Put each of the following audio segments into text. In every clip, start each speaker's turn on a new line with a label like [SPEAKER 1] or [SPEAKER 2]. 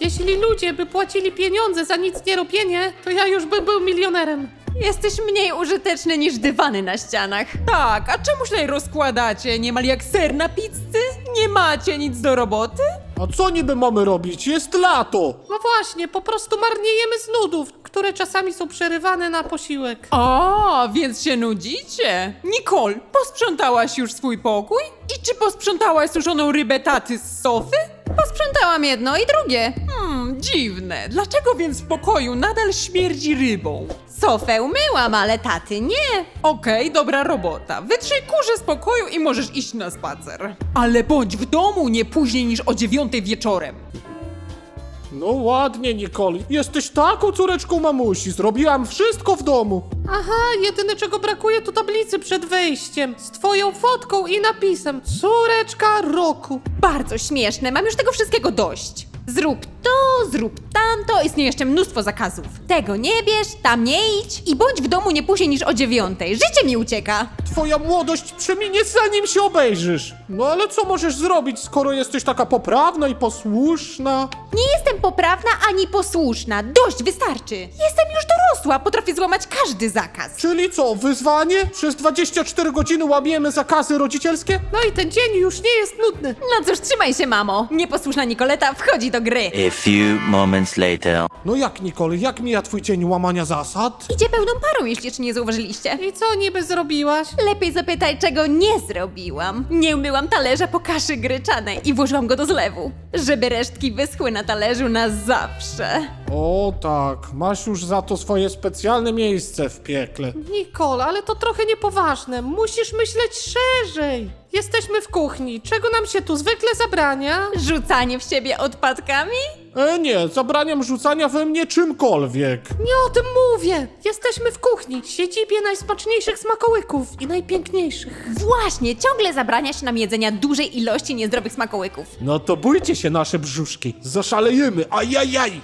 [SPEAKER 1] Jeśli ludzie by płacili pieniądze za nic nie robienie, to ja już bym był milionerem.
[SPEAKER 2] Jesteś mniej użyteczny niż dywany na ścianach.
[SPEAKER 3] Tak, a czemu się tutaj rozkładacie? Niemal jak ser na pizzy? Nie macie nic do roboty?
[SPEAKER 4] A co niby mamy robić? Jest lato!
[SPEAKER 1] No właśnie, po prostu marniejemy z nudów, które czasami są przerywane na posiłek.
[SPEAKER 3] A, więc się nudzicie? Nicole, posprzątałaś już swój pokój? I czy posprzątałaś suszoną rybę taty z sofy?
[SPEAKER 2] Posprzątałam jedno i drugie.
[SPEAKER 3] Dziwne. Dlaczego więc w pokoju nadal śmierdzi rybą?
[SPEAKER 2] Sofę umyłam, ale taty nie.
[SPEAKER 3] Okej, dobra robota. Wytrzyj kurze z pokoju i możesz iść na spacer. Ale bądź w domu nie później niż o 9 wieczorem.
[SPEAKER 4] No ładnie, Nicole. Jesteś taką córeczką mamusi. Zrobiłam wszystko w domu.
[SPEAKER 1] Aha, jedyne czego brakuje to tablicy przed wejściem z twoją fotką i napisem Córeczka roku.
[SPEAKER 2] Bardzo śmieszne, mam już tego wszystkiego dość. Zrób to, zrób tamto, istnieje jeszcze mnóstwo zakazów. Tego nie bierz, tam nie idź i bądź w domu nie później niż o 9. Życie mi ucieka.
[SPEAKER 4] Twoja młodość przeminie zanim się obejrzysz. No ale co możesz zrobić, skoro jesteś taka poprawna i posłuszna?
[SPEAKER 2] Nie jestem poprawna ani posłuszna. Dość, wystarczy. Jestem już dorosła, potrafię złamać każdy zakaz.
[SPEAKER 4] Czyli co, wyzwanie? Przez 24 godziny łamiemy zakazy rodzicielskie?
[SPEAKER 1] No i ten dzień już nie jest nudny.
[SPEAKER 2] No cóż, trzymaj się, mamo. Nieposłuszna Nikoleta wchodzi do gry.
[SPEAKER 5] A few moments later.
[SPEAKER 4] No jak, Nicole, jak mija twój dzień łamania zasad?
[SPEAKER 2] Idzie pełną parą, jeśli jeszcze nie zauważyliście.
[SPEAKER 1] I co niby zrobiłaś?
[SPEAKER 2] Lepiej zapytaj, czego nie zrobiłam. Nie umyłam talerza po kaszy gryczanej i włożyłam go do zlewu, żeby resztki wyschły na talerzu na zawsze.
[SPEAKER 4] O tak, masz już za to swoje specjalne miejsce w piekle.
[SPEAKER 1] Nicole, ale to trochę niepoważne. Musisz myśleć szerzej. Jesteśmy w kuchni. Czego nam się tu zwykle zabrania?
[SPEAKER 2] Rzucanie w siebie odpadkami?
[SPEAKER 4] Nie, zabraniam rzucania we mnie czymkolwiek.
[SPEAKER 1] Nie o tym mówię. Jesteśmy w kuchni, siedzibie najsmaczniejszych smakołyków i najpiękniejszych.
[SPEAKER 2] Właśnie, ciągle zabrania się nam jedzenia dużej ilości niezdrowych smakołyków.
[SPEAKER 4] No to bójcie się nasze brzuszki, zaszalejemy, ajajaj!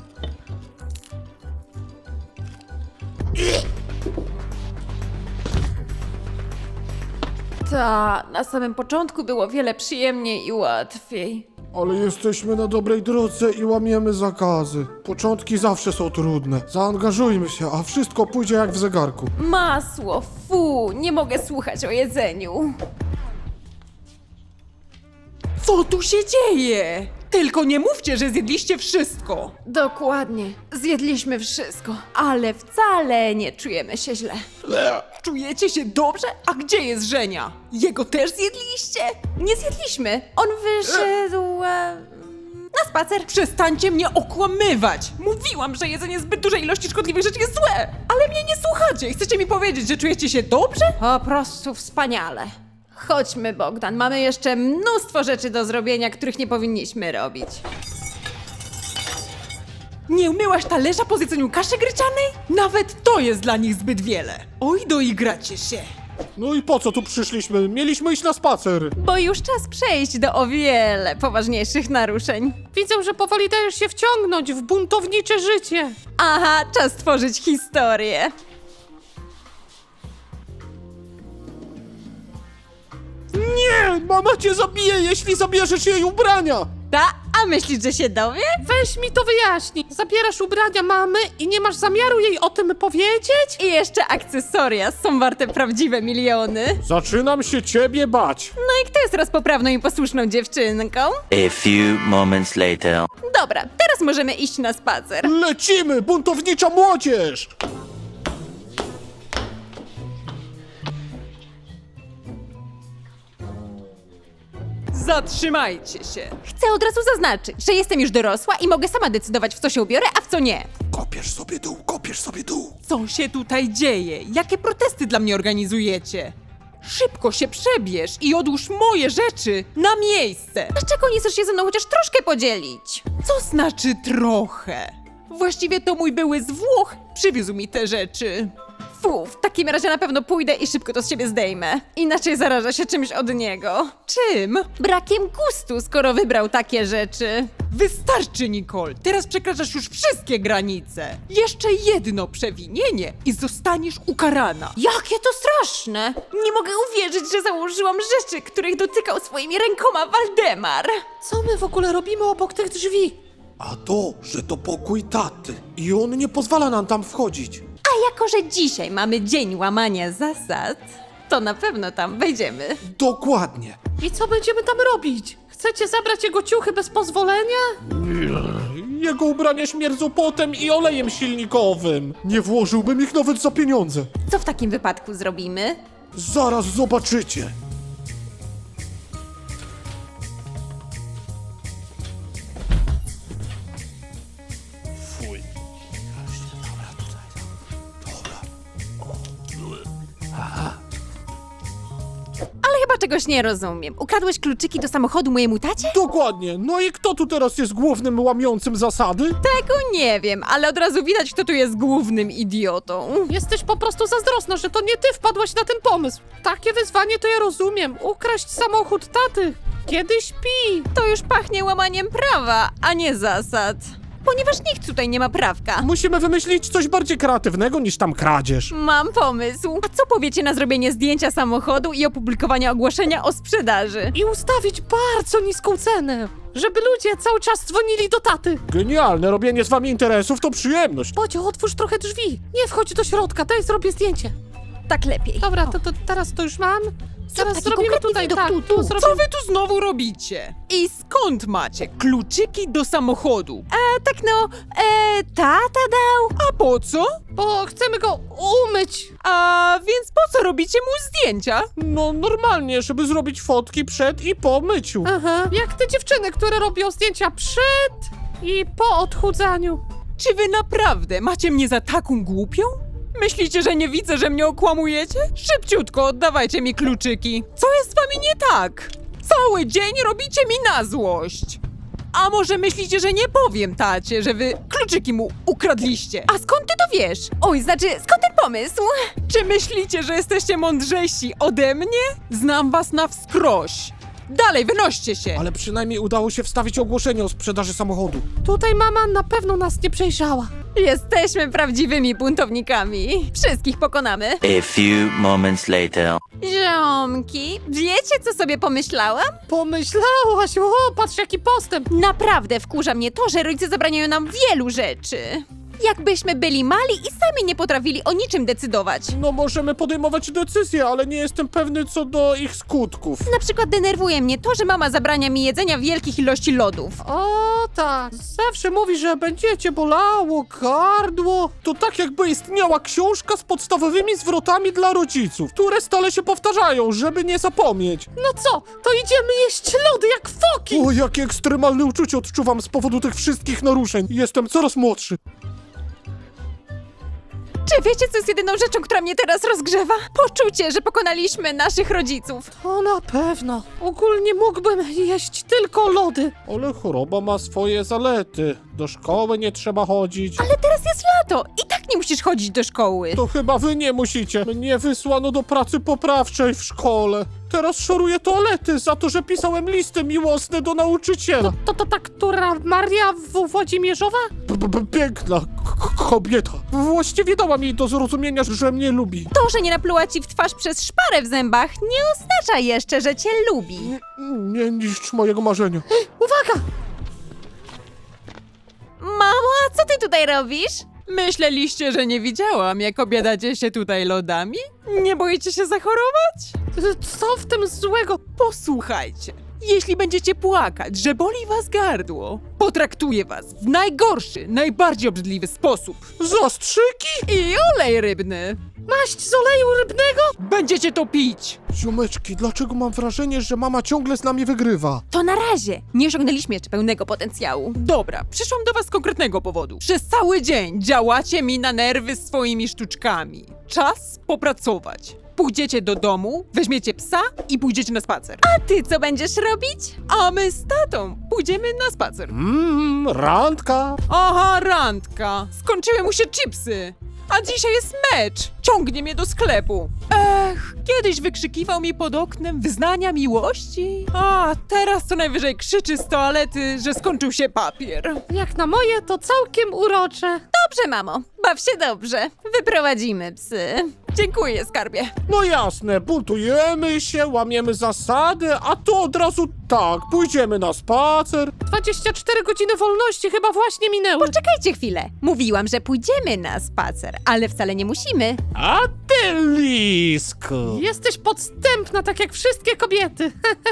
[SPEAKER 2] Ta, na samym początku było wiele przyjemniej i łatwiej.
[SPEAKER 4] Ale jesteśmy na dobrej drodze i łamiemy zakazy. Początki zawsze są trudne. Zaangażujmy się, a wszystko pójdzie jak w zegarku.
[SPEAKER 2] Masło, fu, nie mogę słuchać o jedzeniu.
[SPEAKER 3] Co tu się dzieje? Tylko nie mówcie, że zjedliście wszystko.
[SPEAKER 2] Dokładnie, zjedliśmy wszystko, ale wcale nie czujemy się źle.
[SPEAKER 3] Czujecie się dobrze? A gdzie jest Żenia? Jego też zjedliście?
[SPEAKER 2] Nie zjedliśmy, on wyszedł na spacer.
[SPEAKER 3] Przestańcie mnie okłamywać! Mówiłam, że jedzenie zbyt dużej ilości szkodliwych rzeczy jest złe! Ale mnie nie słuchacie! Chcecie mi powiedzieć, że czujecie się dobrze?
[SPEAKER 2] Po prostu wspaniale. Chodźmy, Bogdan, mamy jeszcze mnóstwo rzeczy do zrobienia, których nie powinniśmy robić.
[SPEAKER 3] Nie umyłaś talerza po zjedzeniu kaszy gryczanej? Nawet to jest dla nich zbyt wiele. Oj, doigracie się.
[SPEAKER 4] No i po co tu przyszliśmy? Mieliśmy iść na spacer.
[SPEAKER 2] Bo już czas przejść do o wiele poważniejszych naruszeń.
[SPEAKER 1] Widzę, że powoli dajesz się wciągnąć w buntownicze życie.
[SPEAKER 2] Aha, czas tworzyć historię.
[SPEAKER 4] Nie! Mama cię zabije, jeśli zabierzesz jej ubrania!
[SPEAKER 2] A myślisz, że się dowie?
[SPEAKER 1] Weź mi to wyjaśnij. Zabierasz ubrania mamy i nie masz zamiaru jej o tym powiedzieć?
[SPEAKER 2] I jeszcze akcesoria są warte prawdziwe miliony.
[SPEAKER 4] Zaczynam się ciebie bać.
[SPEAKER 2] No i kto jest teraz poprawną i posłuszną dziewczynką?
[SPEAKER 5] A few moments later.
[SPEAKER 2] Dobra, teraz możemy iść na spacer.
[SPEAKER 4] Lecimy, buntownicza młodzież!
[SPEAKER 3] Zatrzymajcie się.
[SPEAKER 2] Chcę od razu zaznaczyć, że jestem już dorosła i mogę sama decydować, w co się ubiorę, a w co nie.
[SPEAKER 4] Kopiesz sobie dół, kopiesz sobie dół.
[SPEAKER 3] Co się tutaj dzieje? Jakie protesty dla mnie organizujecie? Szybko się przebierz i odłóż moje rzeczy na miejsce.
[SPEAKER 2] Dlaczego nie chcesz się ze mną chociaż troszkę podzielić?
[SPEAKER 3] Co znaczy trochę? Właściwie to mój były z Włoch przywiózł mi te rzeczy.
[SPEAKER 2] Fu, w takim razie na pewno pójdę i szybko to z siebie zdejmę. Inaczej zarażę się czymś od niego.
[SPEAKER 3] Czym?
[SPEAKER 2] Brakiem gustu, skoro wybrał takie rzeczy.
[SPEAKER 3] Wystarczy, Nicole. Teraz przekraczasz już wszystkie granice. Jeszcze jedno przewinienie i zostaniesz ukarana.
[SPEAKER 2] Jakie to straszne! Nie mogę uwierzyć, że założyłam rzeczy, których dotykał swoimi rękoma Waldemar.
[SPEAKER 1] Co my w ogóle robimy obok tych drzwi?
[SPEAKER 4] A to, że to pokój taty i on nie pozwala nam tam wchodzić.
[SPEAKER 2] A jako, że dzisiaj mamy dzień łamania zasad, to na pewno tam wejdziemy.
[SPEAKER 4] Dokładnie.
[SPEAKER 1] I co będziemy tam robić? Chcecie zabrać jego ciuchy bez pozwolenia?
[SPEAKER 4] Jego ubrania śmierdzą potem i olejem silnikowym. Nie włożyłbym ich nawet za pieniądze.
[SPEAKER 2] Co w takim wypadku zrobimy?
[SPEAKER 4] Zaraz zobaczycie. Fuj. Dobra, tutaj. Dobra.
[SPEAKER 2] Ale chyba czegoś nie rozumiem. Ukradłeś kluczyki do samochodu mojemu tacie?
[SPEAKER 4] Dokładnie. No i kto tu teraz jest głównym łamiącym zasady?
[SPEAKER 2] Tego nie wiem, ale od razu widać, kto tu jest głównym idiotą.
[SPEAKER 1] Jesteś po prostu zazdrosna, że to nie ty wpadłaś na ten pomysł. Takie wyzwanie to ja rozumiem. Ukraść samochód taty, kiedy śpi.
[SPEAKER 2] To już pachnie łamaniem prawa, a nie zasad. Ponieważ nikt tutaj nie ma prawka.
[SPEAKER 4] Musimy wymyślić coś bardziej kreatywnego niż tam kradzież.
[SPEAKER 2] Mam pomysł. A co powiecie na zrobienie zdjęcia samochodu i opublikowanie ogłoszenia o sprzedaży?
[SPEAKER 1] I ustawić bardzo niską cenę, żeby ludzie cały czas dzwonili do taty.
[SPEAKER 4] Genialne, robienie z wami interesów to przyjemność.
[SPEAKER 1] Bodzio, otwórz trochę drzwi. Nie wchodź do środka, daj zrobię zdjęcie.
[SPEAKER 2] Tak lepiej.
[SPEAKER 1] Dobra, to teraz to już mam. Teraz
[SPEAKER 2] taki
[SPEAKER 1] zrobimy
[SPEAKER 2] konkretny
[SPEAKER 1] tutaj,
[SPEAKER 2] widok,
[SPEAKER 1] tak,
[SPEAKER 2] tu.
[SPEAKER 1] tu
[SPEAKER 3] Co
[SPEAKER 1] zrobimy.
[SPEAKER 3] wy tu znowu robicie? I skąd macie kluczyki do samochodu?
[SPEAKER 2] Tak no, tata dał.
[SPEAKER 3] A po co?
[SPEAKER 1] Bo chcemy go umyć.
[SPEAKER 3] A więc po co robicie mu zdjęcia?
[SPEAKER 4] No normalnie, żeby zrobić fotki przed i po myciu.
[SPEAKER 1] Aha. Jak te dziewczyny, które robią zdjęcia przed i po odchudzaniu.
[SPEAKER 3] Czy wy naprawdę macie mnie za taką głupią? Myślicie, że nie widzę, że mnie okłamujecie? Szybciutko oddawajcie mi kluczyki. Co jest z wami nie tak? Cały dzień robicie mi na złość. A może myślicie, że nie powiem tacie, że wy kluczyki mu ukradliście?
[SPEAKER 2] A skąd ty to wiesz? Oj, znaczy, skąd ten pomysł?
[SPEAKER 3] Czy myślicie, że jesteście mądrzejsi ode mnie? Znam was na wskroś. Dalej, wynoście się.
[SPEAKER 4] Ale przynajmniej udało się wstawić ogłoszenie o sprzedaży samochodu.
[SPEAKER 1] Tutaj mama na pewno nas nie przejrzała.
[SPEAKER 2] Jesteśmy prawdziwymi buntownikami. Wszystkich pokonamy.
[SPEAKER 5] A few moments later.
[SPEAKER 2] Ziomki, wiecie co sobie pomyślałam?
[SPEAKER 1] Pomyślałaś, o, patrz jaki postęp.
[SPEAKER 2] Naprawdę wkurza mnie to, że rodzice zabraniają nam wielu rzeczy. Jakbyśmy byli mali i sami nie potrafili o niczym decydować.
[SPEAKER 4] No możemy podejmować decyzje, ale nie jestem pewny co do ich skutków.
[SPEAKER 2] Na przykład denerwuje mnie to, że mama zabrania mi jedzenia wielkich ilości lodów.
[SPEAKER 1] O tak, zawsze mówi, że będziecie bolało gardło.
[SPEAKER 4] To tak jakby istniała książka z podstawowymi zwrotami dla rodziców, które stale się powtarzają, żeby nie zapomnieć.
[SPEAKER 1] No co, to idziemy jeść lody jak foki.
[SPEAKER 4] O, jakie ekstremalne uczucie odczuwam z powodu tych wszystkich naruszeń. Jestem coraz młodszy.
[SPEAKER 2] Czy wiecie, co jest jedyną rzeczą, która mnie teraz rozgrzewa? Poczucie, że pokonaliśmy naszych rodziców.
[SPEAKER 1] To na pewno. Ogólnie mógłbym jeść tylko lody.
[SPEAKER 4] Ale choroba ma swoje zalety. Do szkoły nie trzeba chodzić.
[SPEAKER 2] Ale teraz jest lato i tak nie musisz chodzić do szkoły.
[SPEAKER 4] To chyba wy nie musicie. Mnie wysłano do pracy poprawczej w szkole. Teraz szoruję toalety za to, że pisałem listy miłosne do nauczyciela.
[SPEAKER 1] To ta, która Maria Włodzimierzowa?
[SPEAKER 4] Piękna kobieta. Właściwie dała mi do zrozumienia, że mnie lubi.
[SPEAKER 2] To, że nie napluła ci w twarz przez szparę w zębach, nie oznacza jeszcze, że cię lubi.
[SPEAKER 4] Nie niszcz mojego marzenia.
[SPEAKER 1] Uwaga!
[SPEAKER 2] Mamo, a co ty tutaj robisz?
[SPEAKER 3] Myśleliście, że nie widziałam, jak obiadacie się tutaj lodami? Nie boicie się zachorować?
[SPEAKER 1] Co w tym złego?
[SPEAKER 3] Posłuchajcie, jeśli będziecie płakać, że boli was gardło, potraktuję was w najgorszy, najbardziej obrzydliwy sposób.
[SPEAKER 4] Zastrzyki?
[SPEAKER 3] I olej rybny.
[SPEAKER 1] Maść z oleju rybnego?
[SPEAKER 3] Będziecie to pić.
[SPEAKER 4] Ziomeczki, dlaczego mam wrażenie, że mama ciągle z nami wygrywa?
[SPEAKER 2] To na razie. Nie osiągnęliśmy jeszcze pełnego potencjału.
[SPEAKER 3] Dobra, przyszłam do was z konkretnego powodu. Przez cały dzień działacie mi na nerwy swoimi sztuczkami. Czas popracować. Pójdziecie do domu, weźmiecie psa i pójdziecie na spacer.
[SPEAKER 2] A ty co będziesz robić?
[SPEAKER 3] A my z tatą pójdziemy na spacer.
[SPEAKER 4] Randka.
[SPEAKER 3] Aha, randka. Skończyły mu się chipsy. A dzisiaj jest mecz. ciągnie mnie do sklepu. Kiedyś wykrzykiwał mi pod oknem wyznania miłości. A teraz co najwyżej krzyczy z toalety, że skończył się papier.
[SPEAKER 1] Jak na moje, to całkiem urocze.
[SPEAKER 2] Dobrze, mamo, baw się dobrze. Wyprowadzimy psy.
[SPEAKER 3] Dziękuję, skarbie.
[SPEAKER 4] No jasne, buntujemy się, łamiemy zasady, a tu od razu tak, pójdziemy na spacer.
[SPEAKER 1] 24 godziny wolności chyba właśnie minęły.
[SPEAKER 2] Poczekajcie chwilę. Mówiłam, że pójdziemy na spacer, ale wcale nie musimy.
[SPEAKER 4] A ty, Lisku!
[SPEAKER 1] Jesteś podstępna, tak jak wszystkie kobiety.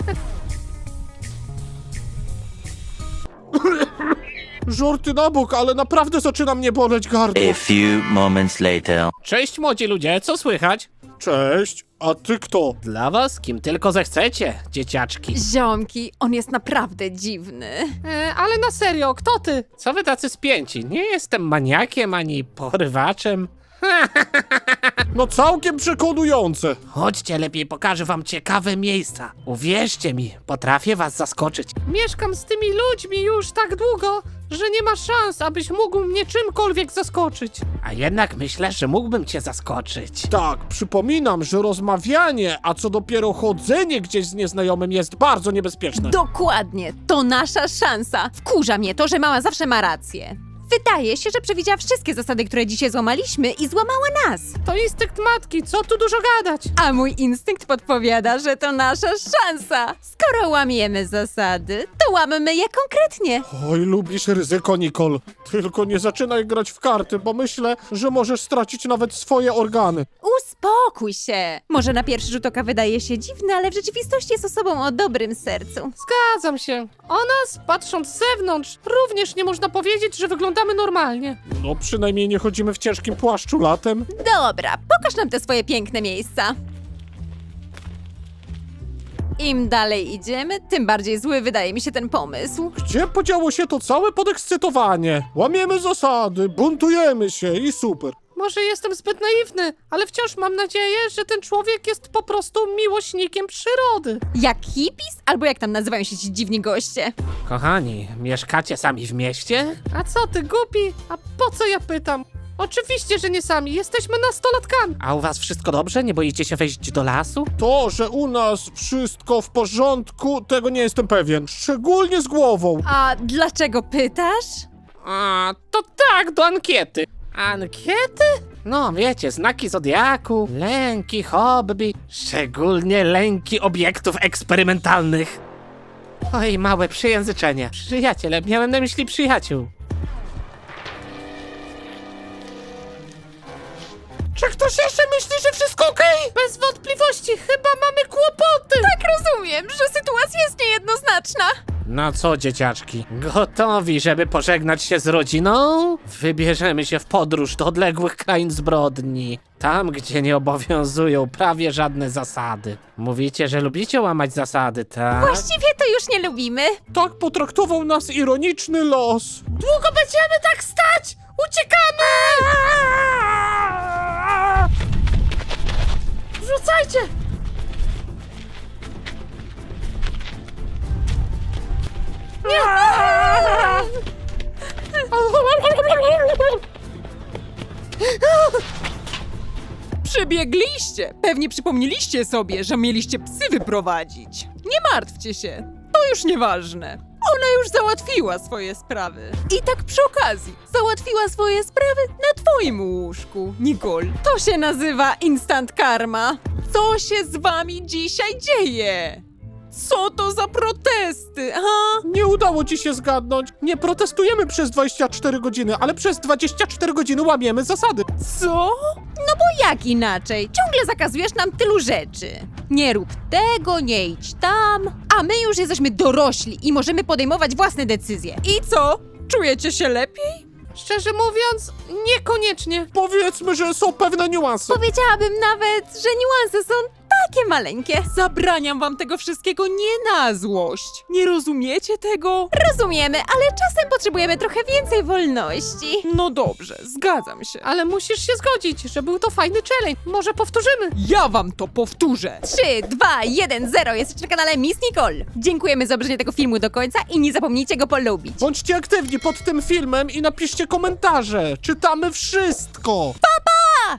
[SPEAKER 4] Żarty na bok, ale naprawdę zaczyna mnie boleć gardło.
[SPEAKER 5] A few moments later.
[SPEAKER 6] Cześć młodzi ludzie, co słychać?
[SPEAKER 4] Cześć, a ty kto?
[SPEAKER 6] Dla was kim tylko zechcecie, dzieciaczki.
[SPEAKER 2] Ziomki, on jest naprawdę dziwny.
[SPEAKER 1] Ale na serio, kto ty?
[SPEAKER 6] Co wy tacy spięci? Nie jestem maniakiem ani porywaczem.
[SPEAKER 4] No całkiem przekonujące.
[SPEAKER 6] Chodźcie, lepiej pokażę wam ciekawe miejsca. Uwierzcie mi, potrafię was zaskoczyć.
[SPEAKER 1] Mieszkam z tymi ludźmi już tak długo, że nie ma szans, abyś mógł mnie czymkolwiek zaskoczyć.
[SPEAKER 6] A jednak myślę, że mógłbym cię zaskoczyć.
[SPEAKER 4] Tak, przypominam, że rozmawianie, a co dopiero chodzenie gdzieś z nieznajomym jest bardzo niebezpieczne.
[SPEAKER 2] Dokładnie, to nasza szansa. Wkurza mnie to, że mama zawsze ma rację. Wydaje się, że przewidziała wszystkie zasady, które dzisiaj złamaliśmy i złamała nas.
[SPEAKER 1] To instynkt matki, co tu dużo gadać?
[SPEAKER 2] A mój instynkt podpowiada, że to nasza szansa. Skoro łamiemy zasady, to łammy je konkretnie.
[SPEAKER 4] Oj, lubisz ryzyko, Nicole. Tylko nie zaczynaj grać w karty, bo myślę, że możesz stracić nawet swoje organy.
[SPEAKER 2] Uspokój się. Może na pierwszy rzut oka wydaje się dziwny, ale w rzeczywistości jest osobą o dobrym sercu.
[SPEAKER 1] Zgadzam się. O nas, patrząc z zewnątrz, również nie można powiedzieć, że wyglądamy normalnie.
[SPEAKER 4] No przynajmniej nie chodzimy w ciężkim płaszczu latem.
[SPEAKER 2] Dobra, pokaż nam te swoje piękne miejsca. Im dalej idziemy, tym bardziej zły wydaje mi się ten pomysł.
[SPEAKER 4] Gdzie podziało się to całe podekscytowanie? Łamiemy zasady, buntujemy się i super.
[SPEAKER 1] Może jestem zbyt naiwny, ale wciąż mam nadzieję, że ten człowiek jest po prostu miłośnikiem przyrody.
[SPEAKER 2] Jak hippies? Albo jak tam nazywają się ci dziwni goście?
[SPEAKER 6] Kochani, mieszkacie sami w mieście?
[SPEAKER 1] A co ty, głupi? A po co ja pytam? Oczywiście, że nie sami, jesteśmy nastolatkami.
[SPEAKER 6] A u was wszystko dobrze? Nie boicie się wejść do lasu?
[SPEAKER 4] To, że u nas wszystko w porządku, tego nie jestem pewien. Szczególnie z głową.
[SPEAKER 2] A dlaczego pytasz?
[SPEAKER 6] A, to tak, do ankiety.
[SPEAKER 1] Ankiety?
[SPEAKER 6] No, wiecie, znaki zodiaku, lęki, hobby, szczególnie lęki obiektów eksperymentalnych. Oj, małe przejęzyczenie. Przyjaciele, miałem na myśli przyjaciół.
[SPEAKER 1] Czy ktoś jeszcze myśli, że wszystko okej? Bez wątpliwości, chyba mamy kłopoty.
[SPEAKER 2] Tak rozumiem, że sytuacja jest niejednoznaczna.
[SPEAKER 6] No co, dzieciaczki, gotowi, żeby pożegnać się z rodziną? Wybierzemy się w podróż do odległych krain zbrodni. Tam, gdzie nie obowiązują prawie żadne zasady. Mówicie, że lubicie łamać zasady, tak?
[SPEAKER 2] Właściwie to już nie lubimy.
[SPEAKER 4] Tak potraktował nas ironiczny los.
[SPEAKER 1] Długo będziemy tak stać? Uciekamy! Rzucajcie!
[SPEAKER 3] Przybiegliście! Pewnie przypomnieliście sobie, że mieliście psy wyprowadzić. Nie martwcie się, to już nieważne. Ona już załatwiła swoje sprawy. I tak przy okazji, załatwiła swoje sprawy na twoim łóżku, Nicole.
[SPEAKER 2] To się nazywa instant karma.
[SPEAKER 3] Co się z wami dzisiaj dzieje? Co to za protesty, ha?
[SPEAKER 4] Nie udało ci się zgadnąć. Nie protestujemy przez 24 godziny, ale przez 24 godziny łamiemy zasady.
[SPEAKER 3] Co?
[SPEAKER 2] No bo jak inaczej? Ciągle zakazujesz nam tylu rzeczy. Nie rób tego, nie idź tam. A my już jesteśmy dorośli i możemy podejmować własne decyzje.
[SPEAKER 3] I co? Czujecie się lepiej?
[SPEAKER 1] Szczerze mówiąc, niekoniecznie.
[SPEAKER 4] Powiedzmy, że są pewne niuanse.
[SPEAKER 2] Powiedziałabym nawet, że niuanse są takie maleńkie.
[SPEAKER 3] Zabraniam wam tego wszystkiego nie na złość. Nie rozumiecie tego?
[SPEAKER 2] Rozumiemy, ale czasem potrzebujemy trochę więcej wolności.
[SPEAKER 3] No dobrze, zgadzam się.
[SPEAKER 1] Ale musisz się zgodzić, że był to fajny challenge. Może powtórzymy.
[SPEAKER 3] Ja wam to powtórzę.
[SPEAKER 2] 3, 2, 1, 0. Jesteście na kanale Miss Nicole. Dziękujemy za obejrzenie tego filmu do końca i nie zapomnijcie go polubić.
[SPEAKER 4] Bądźcie aktywni pod tym filmem i napiszcie komentarze. Czytamy wszystko.
[SPEAKER 2] Pa!